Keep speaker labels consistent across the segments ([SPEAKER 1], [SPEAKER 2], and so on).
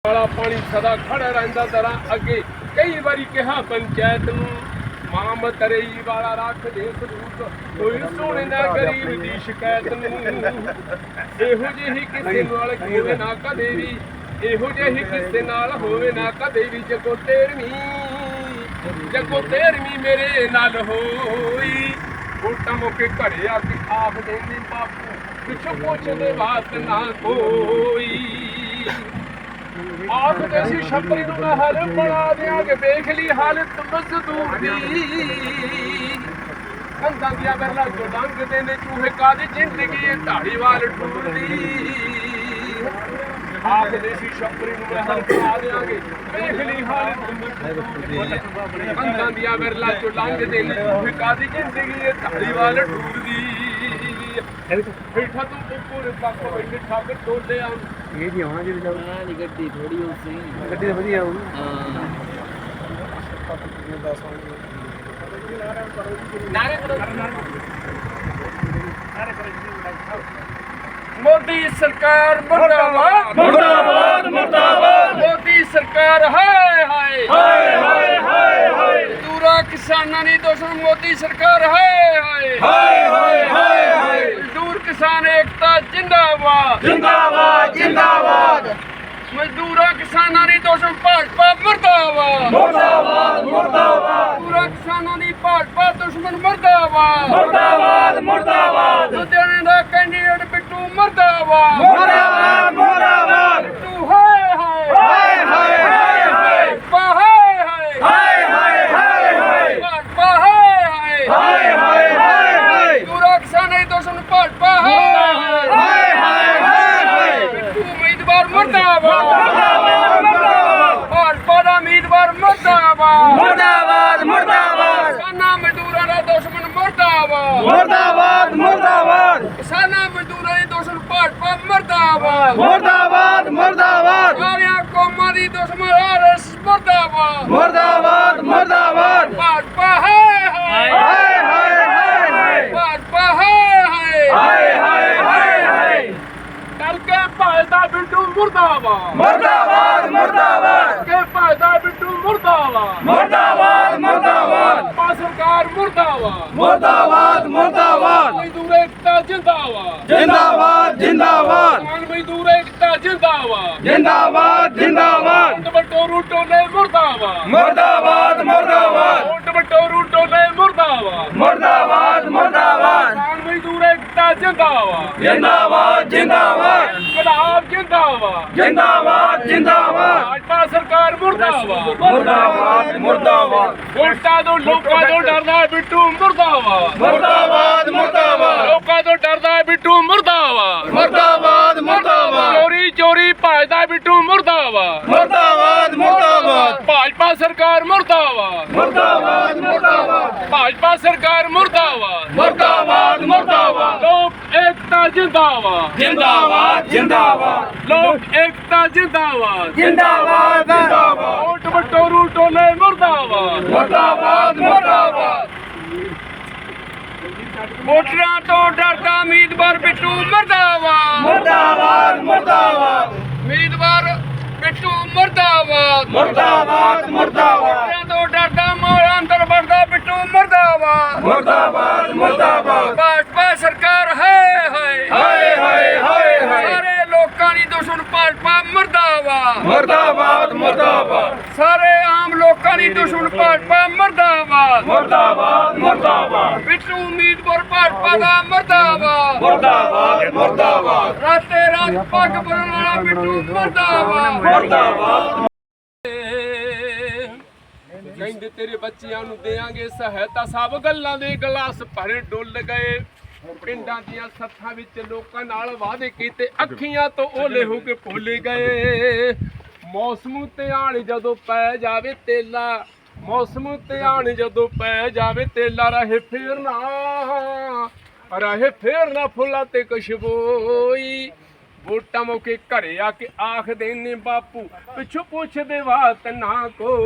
[SPEAKER 1] ਵਾਲਾ ਪਾਣੀ ਸਦਾ ਖੜਾ ਰਹਿੰਦਾ ਦਰਾਂ ਅੱਗੇ। ਕਈ ਵਾਰੀ ਕਿਹਾ ਪੰਚਾਇਤ ਨੂੰ ਮਾਂ ਮਤਰੇਈ ਵਾਲਾ ਰੱਖ ਦੇ ਸਬੂਤ, ਕੋਈ ਸੁਣੇ ਨਾ ਗਰੀਬ ਦੀ ਸ਼ਿਕਾਇਤ ਨੂੰ। ਇਹੋ ਜਿਹੀ ਕਿਸੇ ਨਾਲ ਹੋਵੇ ਨਾ ਕਦੇ ਵੀ, ਇਹੋ ਜਿਹੀ ਕਿਸੇ ਨਾਲ ਹੋਵੇ ਨਾ ਕਦੇ ਵੀ। ਜੱਗੋ ਤੇਰਵੀਂ ਮੇਰੇ ਨਾਲ ਹੋਈ। ਵੋਟਾਂ ਮੌਕੇ ਘਰੇ ਆ ਕੇ ਆਖ ਦੇਂਦੇ ਬਾਪੂ ਪਿੱਛੋਂ ਪੁੱਛਦੇ ਬਾਤ ਨਾ ਕੋਈ। ਆਖਦੇ ਸੀ ਛੱਪਰੀ ਨੂੰ ਮੈਂ ਹਲ ਬਣਾ ਦਿਆਂਗੇ, ਵੇਖ ਲਈ ਹਾਲਤ ਮਜ਼ਦੂਰ ਦੀ। ਕੰਧਾਂ ਦੀਆਂ ਬਰਲਾ ਚੋਂ ਲੰਘਦੇ ਨੇ ਚੂਹੇ, ਕਾਦੀ ਜ਼ਿੰਦਗੀ ਇਹ ਢਾੜੀਵਾਲ ਟੂਰਦੀ। ਆਖਦੇ ਸੀ ਛੱਪਰੀ ਨੂੰ ਮੈਂ ਹਲ ਬਣਾ ਦਿਆਂਗੇ, ਵੇਖ ਲਈ ਹਾਲਤ ਮਜ਼ਦੂਰ ਦੀ। ਕੰਧਾਂ ਦੀਆਂ ਬਰਲਾ ਚੋਂ ਲੰਘਦੇ ਨੇ ਚੂਹੇ, ਕਾਦੀ ਜ਼ਿੰਦਗੀ ਇਹ ਢਾੜੀਵਾਲ ਟੂਰਦੀ। ਬੈਠਾ ਤੂੰ ਉੱਪਰ ਪੱਕ ਬੈਠੇ ਠੱਗ ਟੋਲਿਆ
[SPEAKER 2] ਇਹ ਜੀ ਆਉਣਾ ਜਿਹੜੇ
[SPEAKER 3] ਹਾਂ ਨਹੀਂ ਗੱਡੀ ਥੋੜੀ ਹੋ ਸੀ,
[SPEAKER 2] ਗੱਡੀ ਤਾਂ ਵਧੀਆ ਆਉ।
[SPEAKER 3] ਹਾਂ
[SPEAKER 1] ਮੋਦੀ ਸਰਕਾਰ ਮੁਰਦਾਬਾਦ
[SPEAKER 2] ਮੁਰਦਾਬਾਦ ਮੁਰਦਾਬਾਦ
[SPEAKER 1] ਮੋਦੀ ਸਰਕਾਰ ਹਾਏ ਹਾਏ
[SPEAKER 2] ਹਾਏ ਹਾਏ ਹਾਏ ਹਾਏ
[SPEAKER 1] ਮਜ਼ਦੂਰਾਂ ਕਿਸਾਨਾਂ ਦੀ ਦੁਸ਼ਮਣ ਮੋਦੀ ਸਰਕਾਰ ਹਾਏ ਹਾਏ
[SPEAKER 2] ਹਾਏ ਹਾਏ ਹਾਏ ਹਾਏ
[SPEAKER 1] ਮਜ਼ਦੂਰ ਕਿਸਾਨ ਏਕਤਾ ਜਿੰਦਾਬਾਦ
[SPEAKER 2] ਜਿੰਦਾਬਾਦ ਜਿੰਦਾਬਾਦ
[SPEAKER 1] ਮਜ਼ਦੂਰਾਂ ਕਿਸਾਨਾਂ ਦੀ ਦੁਸ਼ਮਣ ਭਾਜਪਾ ਮੁਰਦਾਬਾਦ
[SPEAKER 2] ਮੁਰਦਾਬਾਦ ਮੁਰਦਾਬਾਦ
[SPEAKER 1] ਮਜ਼ਦੂਰਾਂ ਕਿਸਾਨਾਂ ਦੀ ਭਾਜਪਾ ਦੁਸ਼ਮਣ ਮੁਰਦਾਬਾਦ
[SPEAKER 2] ਮੁਰਦਾਬਾਦ ਮੁਰਦਾਬਾਦ
[SPEAKER 1] ਲੁਧਿਆਣੇ ਦਾ ਕੈਂਡੀਡੇਟ ਬਿੱਟੂ ਮੁਰਦਾਬਾਦ
[SPEAKER 2] ਮੁਰਦਾਬਾਦ ਮੁਰਦਾਬਾਦ
[SPEAKER 1] ਬਿੱਟੂ ਹਾਏ ਹਾਏ
[SPEAKER 2] ਹਾਏ ਹਾਏ ਹਾਏ
[SPEAKER 1] ਭਾਜਪਾ ਹਾਏ ਹਾਏ
[SPEAKER 2] ਹਾਏ ਹਾਏ ਹਾਏ
[SPEAKER 1] ਭਾਜਪਾ ਹਾਏ ਹਾਏ
[SPEAKER 2] ਹਾਏ ਹਾਏ ਹਾਏ
[SPEAKER 1] ਮਜ਼ਦੂਰਾਂ ਕਿਸਾਨਾਂ ਦੀ ਦੁਸ਼ਮਣ ਭਾਜਪਾ ਹਾਏ
[SPEAKER 2] ਹਾਏ ਹਾਏ ਹਾਏ ਹਾਏ
[SPEAKER 1] ਬਿੱਟੂ ਉਮੀਦਵਾਰ ਮੁਰਦਾਬਾਦ
[SPEAKER 2] ਮੁਰਦਾਬਾਦ
[SPEAKER 1] ਭਾਜਪਾ ਦਾ ਉਮੀਦਵਾਰ ਮੁਰਦਾਬਾਦ
[SPEAKER 2] ਮੁਰਦਾਬਾਦ ਮੁਰਦਾਬਾਦ
[SPEAKER 1] ਕਿਸਾਨਾਂ ਮਜ਼ਦੂਰਾਂ ਦਾ ਦੁਸ਼ਮਣ ਮੁਰਦਾਬਾਦ
[SPEAKER 2] ਮੁਰਦਾਬਾਦ ਮੁਰਦਾਬਾਦ
[SPEAKER 1] ਕਿਸਾਨਾਂ ਮਜ਼ਦੂਰਾਂ ਦੀ ਦੁਸ਼ਮਣ ਭਾਜਪਾ ਮੁਰਦਾਬਾਦ
[SPEAKER 2] ਮੁਰਦਾਬਾਦ ਮੁਰਦਾਬਾਦ
[SPEAKER 1] ਸਾਰਿਆਂ ਕੌਮਾਂ ਦੀ ਦੁਸ਼ਮਣ ਆਰਐਸ ਮੁਰਦਾਬਾਦ
[SPEAKER 2] ਮੁਰਦਾਬਾਦ ਮੁਰਦਾਬਾਦ
[SPEAKER 1] ਭਾਜਪਾ ਹਾਏ ਹਾਏ
[SPEAKER 2] ਹਾਏ ਹਾਏ ਹਾਏ ਹਾਏ
[SPEAKER 1] ਭਾਜਪਾ ਹਾਏ ਹਾਏ
[SPEAKER 2] ਹਾਏ ਹਾਏ ਹਾਏ ਹਾਏ
[SPEAKER 1] ਚੱਲ ਕੇ ਭਾਜਦਾ ਬਿੱਟੂ ਮੁਰਦਾਬਾਦ
[SPEAKER 2] ਮੁਰਦਾਬਾਦ ਮੁਰਦਾਬਾਦ
[SPEAKER 1] ਕੇ ਭਾਜਦਾ ਬਿੱਟੂ ਮੁਰਦਾਬਾਦ
[SPEAKER 2] ਮੁਰਦਾਬਾਦ ਮੁਰਦਾਬਾਦ
[SPEAKER 1] ਭਾਜਪਾ ਸਰਕਾਰ ਮੁਰਦਾਬਾਦ
[SPEAKER 2] ਮੁਰਦਾਬਾਦ ਮੁਰਦਾਬਾਦ
[SPEAKER 1] ਮਜ਼ਦੂਰ ਏਕਤਾ ਜਿੰਦਾਬਾਦ
[SPEAKER 2] ਜਿੰਦਾਬਾਦ ਜਿੰਦਾਬਾਦ
[SPEAKER 1] ਕਿਸਾਨ ਮਜ਼ਦੂਰ ਏਕਤਾ ਜਿੰਦਾਬਾਦ
[SPEAKER 2] ਜਿੰਦਾਬਾਦ ਜਿੰਦਾਬਾਦ
[SPEAKER 1] ਓਟ ਬਟੋਰੂ ਟੋਲੇ ਮੁਰਦਾਬਾਦ
[SPEAKER 2] ਮੁਰਦਾਬਾਦ ਮੁਰਦਾਬਾਦ
[SPEAKER 1] ਓਟ ਬਟੋਰੂ ਟੋਲੇ ਮੁਰਦਾਬਾਦ
[SPEAKER 2] ਮੁਰਦਾਬਾਦ ਮੁਰਦਾਬਾਦ
[SPEAKER 1] ਕਿਸਾਨ ਮਜ਼ਦੂਰ ਏਕਤਾ ਜਿੰਦਾਬਾਦ
[SPEAKER 2] ਜਿੰਦਾਬਾਦ ਜਿੰਦਾਬਾਦ
[SPEAKER 1] ਗੁਲਾਬ ਜਿੰਦਾਬਾਦ
[SPEAKER 2] ਜਿੰਦਾਬਾਦ ਜਿੰਦਾਬਾਦ
[SPEAKER 1] ਭਾਜਪਾ ਸਰਕਾਰ ਮੁਰਦਾਬਾਦ
[SPEAKER 2] ਮੁਰਦਾਬਾਦ ਮੁਰਦਾਬਾਦ
[SPEAKER 1] ਵੋਟਾਂ ਤੋਂ ਲੋਕਾਂ ਤੋਂ ਡਰਦਾ ਹੈ ਬਿੱਟੂ ਮੁਰਦਾਬਾਦ
[SPEAKER 2] ਮੁਰਦਾਬਾਦ ਮੁਰਦਾਬਾਦ
[SPEAKER 1] ਲੋਕਾਂ ਤੋਂ ਡਰਦਾ ਹੈ ਬਿੱਟੂ ਮੁਰਦਾਬਾਦ
[SPEAKER 2] ਮੁਰਦਾਬਾਦ ਮੁਰਦਾਬਾਦ
[SPEAKER 1] ਚੋਰੀ ਚੋਰੀ ਭਜਦਾ ਬਿੱਟੂ ਮੁਰਦਾਬਾਦ
[SPEAKER 2] ਮੁਰਦਾਬਾਦ ਮੁਰਦਾਬਾਦ
[SPEAKER 1] ਭਾਜਪਾ ਸਰਕਾਰ ਮੁਰਦਾਬਾਦ
[SPEAKER 2] ਮੁਰਦਾਬਾਦ ਮੁਰਦਾਬਾਦ
[SPEAKER 1] ਭਾਜਪਾ ਸਰਕਾਰ ਮੁਰਦਾਬਾਦ
[SPEAKER 2] ਮੁਰਦਾਬਾਦ ਮੁਰਦਾਬਾਦ
[SPEAKER 1] ਲੋਕ ਏਕਤਾ ਜਿੰਦਾਬਾਦ
[SPEAKER 2] ਜਿੰਦਾਬਾਦ ਜਿੰਦਾਬਾਦ
[SPEAKER 1] ਲੋਕ ਏਕਤਾ ਜਿੰਦਾਬਾਦ
[SPEAKER 2] ਜਿੰਦਾਬਾਦ ਜਿੰਦਾਬਾਦ
[SPEAKER 1] ਓਟ ਬਟੋਰੂ ਟੋਲੇ ਮੁਰਦਾਬਾਦ
[SPEAKER 2] ਮੁਰਦਾਬਾਦ ਮੁਰਦਾਬਾਦ
[SPEAKER 1] ਵੋਟਰਾਂ ਤੋਂ ਡਰਦਾ ਉਮੀਦਵਾਰ ਬਿੱਟੂ ਮੁਰਦਾਬਾਦ
[SPEAKER 2] ਮੁਰਦਾਬਾਦ ਮੁਰਦਾਬਾਦ
[SPEAKER 1] ਉਮੀਦਵਾਰ ਬਿੱਟੂ ਮੁਰਦਾਬਾਦ
[SPEAKER 2] ਮੁਰਦਾਬਾਦ ਮੁਰਦਾਬਾਦ
[SPEAKER 1] ਵੋਟਰਾਂ ਤੋਂ ਡਰਦਾ ਮੋਹਰਾਂ ਅੰਦਰ ਵੜਦਾ ਬਿੱਟੂ ਮੁਰਦਾਬਾਦ
[SPEAKER 2] ਮੁਰਦਾਬਾਦ ਮੁਰਦਾਬਾਦ
[SPEAKER 1] ਭਾਜਪਾ ਸਰਕਾਰ ਹਾਏ ਹਾਏ
[SPEAKER 2] ਹਾਏ ਹਾਏ ਹਾਏ ਹਾਏ
[SPEAKER 1] ਸਾਰੇ ਲੋਕਾਂ ਦੀ ਦੁਸ਼ਮਣ ਭਾਜਪਾ ਮੁਰਦਾਬਾਦ
[SPEAKER 2] ਮੁਰਦਾਬਾਦ ਮੁਰਦਾਬਾਦ
[SPEAKER 1] ਸਾਰੇ ਆਮ ਲੋਕਾਂ ਦੀ ਦੁਸ਼ਮਣ ਭਾਜਪਾ ਮੁਰਦਾਬਾਦ
[SPEAKER 2] ਮੁਰਦਾਬਾਦ ਮੁਰਦਾਬਾਦ
[SPEAKER 1] ਬਿੱਟੂ ਉਮੀਦਵਾਰ ਭਾਜਪਾ ਦਾ ਮੁਰਦਾਬਾਦ
[SPEAKER 2] ਮੁਰਦਾਬਾਦ ਮੁਰਦਾਬਾਦ
[SPEAKER 1] ਰਾਤੇ ਰਾਤ ਪੱਗ ਬੰਨ੍ਹਣ ਵਾਲਾ ਬਿੱਟੂ ਮੁਰਦਾਬਾਦ
[SPEAKER 2] ਮੁਰਦਾਬਾਦ
[SPEAKER 1] ਕਹਿੰਦੇ ਤੇਰੇ ਬੱਚਿਆਂ ਨੂੰ ਦੇਾਂਗੇ ਸਹਾਇਤਾ, ਸਭ ਗੱਲਾਂ ਦੇ ਗਲਾਸ ਭਰੇ ਡੁੱਲ ਗਏ। ਪਿੰਡਾਂ ਦੀਆਂ ਸੱਥਾਂ ਵਿੱਚ ਲੋਕਾਂ ਨਾਲ ਵਾਅਦੇ ਕੀਤੇ, ਅੱਖੀਆਂ ਤੋਂ ਓਲੇ ਹੋ ਕੇ ਭੁੱਲ ਗਏ। ਮੌਸਮ ਤੇ ਆਣ ਜਦੋਂ ਪੈ ਜਾਵੇ ਤੇਲਾ, ਮੌਸਮ ਤੇ ਆਣ ਜਦੋਂ ਪੈ ਜਾਵੇ ਤੇਲਾ, ਰਹੇ ਫੇਰਨਾ ਫੁੱਲਾਂ ਤੇ ਖੁਸ਼ਬੋਈ। ਵੋਟਾਂ ਮੌਕੇ ਘਰੇ ਆ ਕੇ ਆਖਦੇ ਨੇ ਬਾਪੂ ਪਿੱਛੋਂ ਪੁੱਛਦੇ ਬਾਤ ਨਾ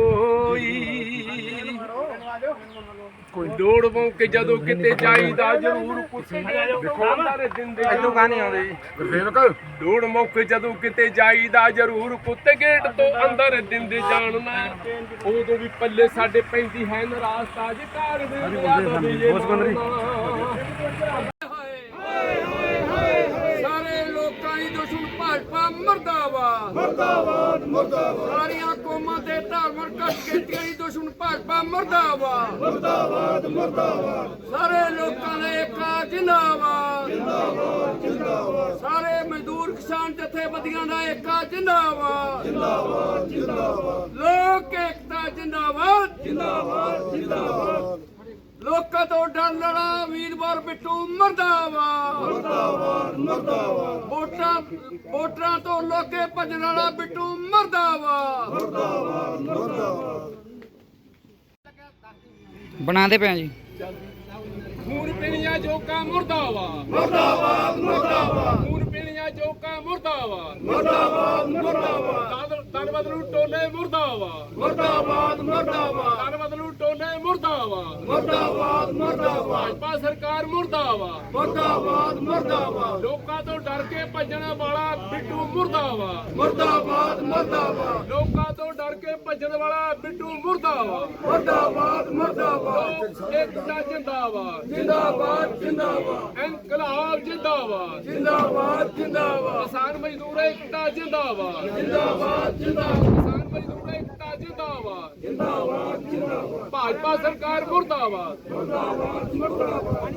[SPEAKER 1] ਕੋਈ ਲੋੜ ਮੌਕੇ ਜਦੋਂ ਕਿਤੇ ਜਾਈਦਾ ਜ਼ਰੂਰ ਪੁੱਛਦੇ ਅੰਦਰ ਦਿੰਦੇ
[SPEAKER 3] ਇੱਥੋਂ ਗਾਣੇ ਆਉਂਦੇ ਜੀ
[SPEAKER 1] ਗੁਰਸੇਵਕ ਲੋੜ ਮੌਕੇ ਜਦੋਂ ਕਿਤੇ ਜਾਈਦਾ ਜ਼ਰੂਰ ਪੁੱਤ ਗੇਟ ਤੋਂ ਅੰਦਰ ਦਿੰਦੇ ਜਾਣਨਾ ਉਦੋਂ ਵੀ ਪੱਲੇ ਸਾਡੇ ਪੈਂਦੀ ਹੈ ਨਰਾਸਤਾ ਜੇ ਘਰ ਦੇ ਸਾਰੇ ਲੋਕਾਂ ਦੀ ਦੁਸ਼ਮਣ ਭਾਜਪਾ ਮਰਦਾਬਾਦ ਮਰਦਾਬਾਦ ਮਰਦਾਬਾਦ ਸਾਰੀਆਂ ਕੌਮਾਂ ਦੇ ਧਾਰਮਿਕ ਕਸ਼ਕੇਟੀਆਂ ਦੀ ਦੁਸ਼ਮਣ ਭਾਜਪਾ ਮਰਦਾਬਾਦ ਮਰਦਾਬਾਦ ਮਰਦਾਬਾਦ ਸਾਰੇ ਲੋਕਾਂ ਦੇ ਏਕਾ ਜਿੰਦਾਬਾਦ ਜਿੰਦਾਬਾਦ ਜਿੰਦਾਬਾਦ ਸਾਰੇ ਮਜ਼ਦੂਰ ਕਿਸਾਨ ਜਥੇਬੰਦੀਆਂ ਦਾ ਏਕਾ ਜਿੰਦਾਬਾਦ ਜਿੰਦਾਬਾਦ ਜਿੰਦਾਬਾਦ ਲੋਕ ਏਕਤਾ ਜਿੰਦਾਬਾਦ ਜਿੰਦਾਬਾਦ ਜਿੰਦਾਬਾਦ ਲੋਕਾਂ ਤੋਂ ਡਰ ਲੜਾ ਵੀਰਵਾਰ ਬਿੱਟੂ ਮਰਦਾਬਾਦ ਮਰਦਾਬਾਦ ਮਰਦਾਬਾਦ ਵੋਟਰਾਂ ਤੋਂ ਲੋਕੇ ਭੱਜਣ ਵਾਲਾ ਬਿੱਟੂ ਮਰਦਾਬਾਦ ਮਰਦਾਬਾਦ ਮਰਦਾਬਾਦ
[SPEAKER 3] ਬਣਾਉਂਦੇ ਪਏ ਜੀ
[SPEAKER 1] ਖੂਨ ਪੀਣੀਆਂ ਜੋਕਾਂ ਮੁਰਦਾਬਾਦ ਮਰਦਾਬਾਦ ਮਰਦਾਬਾਦ ਖੂਨ ਪੀਣੀਆਂ ਜੋਕਾਂ ਮੁਰਦਾਬਾਦ ਮਰਦਾਬਾਦ ਮਰਦਾਬਾਦ ਤਨ ਬਦਲੂ ਟੋਲੇ ਮੁਰਦਾਬਾਦ ਮਰਦਾਬਾਦ ਮਰਦਾਬਾਦ ਤਨ ਬਦਲੂ ਟੋਲੇ ਮੁਰਦਾਬਾਦ ਮਰਦਾਬਾਦ ਮਰਦਾਬਾਦ ਭਾਜਪਾ ਸਰਕਾਰ ਮੁਰਦਾਬਾਦ ਮਰਦਾਬਾਦ ਮਰਦਾਬਾਦ ਲੋਕਾਂ ਤੋਂ ਡਰ ਕੇ ਭੱਜਣ ਵਾਲਾ ਬਿੱਟੂ ਮੁਰਦਾਬਾਦ ਮਰਦਾਬਾਦ ਮਰਦਾਬਾਦ ਲੋਕਾਂ ਤੋਂ ਡਰ ਕੇ ਭੱਜਣ ਵਾਲਾ ਬਿੱਟੂ ਮੁਰਦਾਬਾਦ ਮਰਦਾਬਾਦ ਮਰਦਾਬਾਦ ਏਕਤਾ ਜਿੰਦਾਬਾਦ ਜਿੰਦਾਬਾਦ ਜਿੰਦਾਬਾਦ ਇਨਕਲਾਬ ਜਿੰਦਾਬਾਦ ਜਿੰਦਾਬਾਦ ਜਿੰਦਾਬਾਦ ਕਿਸਾਨ ਮਜ਼ਦੂਰ ਏਕਤਾ ਜਿੰਦਾਬਾਦ ਜਿੰਦਾਬਾਦ ਜਿੰਦਾਬਾਦ ਕਿਸਾਨ ਮਜ਼ਦੂਰ ਏਕਤਾ ਜਿੰਦਾਬਾਦ ਜਿੰਦਾਬਾਦ ਜਿੰਦਾਬਾਦ ਭਾਜਪਾ ਸਰਕਾਰ ਮੁਰਦਾਬਾਦ ਮੁਰਦਾਬਾਦ ਮੁਰਦਾਬਾਦ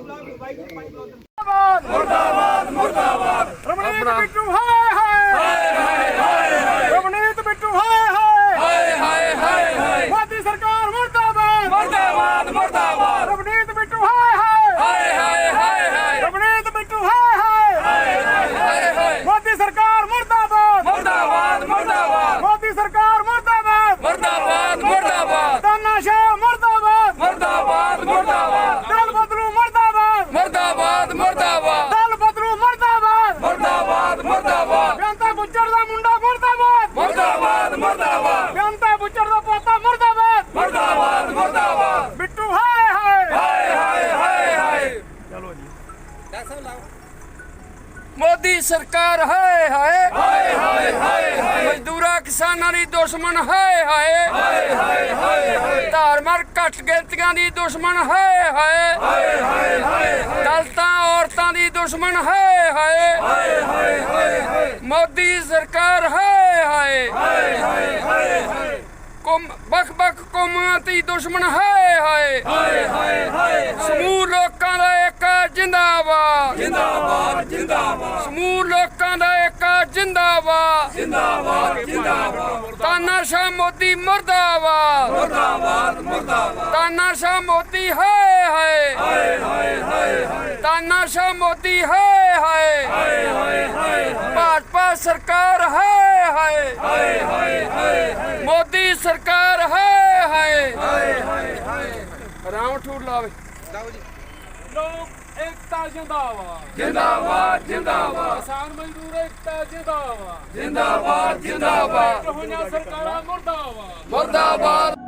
[SPEAKER 1] ਮੁਰਦਾਬਾਦ ਮੁਰਦਾਬਾਦ ਰਮਣੀਤ ਬਿੱਟੂ ਹਾਏ ਹਾਏ ਹਾਏ ਹਾਏ ਰਮਣੀਤ ਬਿੱਟੂ ਹਾਏ ਹਾਏ ਹਾਏ ਹਾਏ ਹਾਏ ਮੋਦੀ ਸਰਕਾਰ ਮੁਰਦਾਬਾਦ ਮੁਰਦਾਬਾਦ ਮੁਰਦਾਬਾਦ ਰਮਣੀਤ ਬਿੱਟੂ ਹਾਏ ਹਾਏ ਹਾਏ ਹਾਏ ਹਾਏ ਰਮਣੀਤ ਬਿੱਟੂ ਹਾਏ ਹਾਏ ਹਾਏ ਹਾਏ ਮੋਦੀ ਸਰਕਾਰ ਮੁਰਦਾਬਾਦ ਮੁਰਦਾਬਾਦ ਮੁਰਦਾਬਾਦ ਮੋਦੀ ਸਰਕਾਰ ਮੁਰਦਾਬਾਦ ਮੁਰਦਾਬਾਦ ਮੁਰਦਾਬਾਦ ਤਾਨਾਸ਼ਾਹ ਮੁਰਦਾਬਾਦ ਮੁਰਦਾਬਾਦ ਮੁਰਦਾਬਾਦ ਦਲ ਬਦਲੂ ਮੁਰਦਾਬਾਦ ਮੁਰਦਾਬਾਦ ਮੁਰਦਾਬਾਦ ਦਲ ਬਦਲੂ ਮੁਰਦਾਬਾਦ ਮੁਰਦਾਬਾਦ ਮੁਰਦਾਬਾਦ ਬੇਅੰਤਾ ਗੁੱਜਰ ਦਾ ਮੁੰਡਾ ਮੁਰਦਾਬਾਦ ਮੁਰਦਾਬਾਦ ਮੁਰਦਾਬਾਦ ਬੇਅੰਤਾ ਗੁੱਜਰ ਦਾ ਪੋਤਾ ਮੁਰਦਾਬਾਦ ਮੁਰਦਾਬਾਦ ਮੁਰਦਾਬਾਦ ਬਿੱਟੂ ਹਾਏ ਹਾਏ ਹਾਏ ਹਾਏ ਹਾਏ ਹਾਏ ਚਲੋ ਜੀ ਮੋਦੀ ਸਰਕਾਰ ਹਾਏ ਹਾਏ ਹਾਏ ਹਾਏ ਹਾਏ ਮਜ਼ਦੂਰਾਂ ਕਿਸਾਨਾਂ ਦੀ ਦੁਸ਼ਮਣ ਹਾਏ ਹਾਏ ਹਾਏ ਹਾਏ ਹਾਏ ਧਾਰਮਿਕ ਘੱਟ ਗਿਣਤੀਆਂ ਦੀ ਦੁਸ਼ਮਣ ਹਾਏ ਹਾਏ ਹਾਏ ਹਾਏ ਹਾਏ ਦਲਿਤਾਂ ਔਰਤਾਂ ਦੀ ਦੁਸ਼ਮਣ ਹਾਏ ਹਾਏ ਹਾਏ ਹਾਏ ਹਾਏ ਮੋਦੀ ਸਰਕਾਰ ਹਾਏ ਹਾਏ ਹਾਏ ਹਾਏ ਹਾਏ ਵੱਖ ਵੱਖ ਕੌਮਾਂ ਦੀ ਦੁਸ਼ਮਣ ਹਾਏ ਹਾਏ ਹਾਏ ਹਾਏ ਹਾਏ ਸਮੂਹ ਲੋਕਾਂ ਦਾ ਏਕਾ ਜਿੰਦਾਬਾਦ ਜਿੰਦਾਬਾਦ ਜਿੰਦਾਬਾਦ ਸਮੂਹ ਲੋਕਾਂ ਦਾ ਏਕਾ ਜਿੰਦਾਬਾਦ ਜਿੰਦਾਬਾਦ ਜਿੰਦਾਬਾਦ ਤਾਨਾਸ਼ਾਹ ਮੋਦੀ ਮੁਰਦਾਬਾਦ ਮੁਰਦਾਬਾਦ ਮੁਰਦਾਬਾਦ ਤਾਨਾਸ਼ਾਹ ਮੋਦੀ ਹਾਏ ਹਾਏ ਹਾਏ ਹਾਏ ਹਾਏ ਤਾਨਾਸ਼ਾਹ ਮੋਦੀ ਹਾਏ ਹਾਏ ਹਾਏ ਹਾਏ ਹਾਏ ਭਾਜਪਾ ਸਰਕਾਰ ਹਾਏ ਹਾਏ ਹਾਏ ਹਾਏ ਹਾਏ ਮੋਦੀ ਸਰਕਾਰ ਹਾਏ ਹਾਏ ਹਾਏ ਹਾਏ ਹਾਏ ਰਾਮ ਠੂਰ ਲਾਵੇ ਲੋਕ ਏਕਤਾ ਜਿੰਦਾਬਾਦ ਜਿੰਦਾਬਾਦ ਜਿੰਦਾਬਾਦ ਕਿਸਾਨ ਮਜ਼ਦੂਰ ਏਕਤਾ ਜਿੰਦਾਬਾਦ ਜਿੰਦਾਬਾਦ ਜਿੰਦਾਬਾਦ ਹੋਈਆਂ ਸਰਕਾਰਾਂ ਮੁਰਦਾਬਾਦ ਮੁਰਦਾਬਾਦ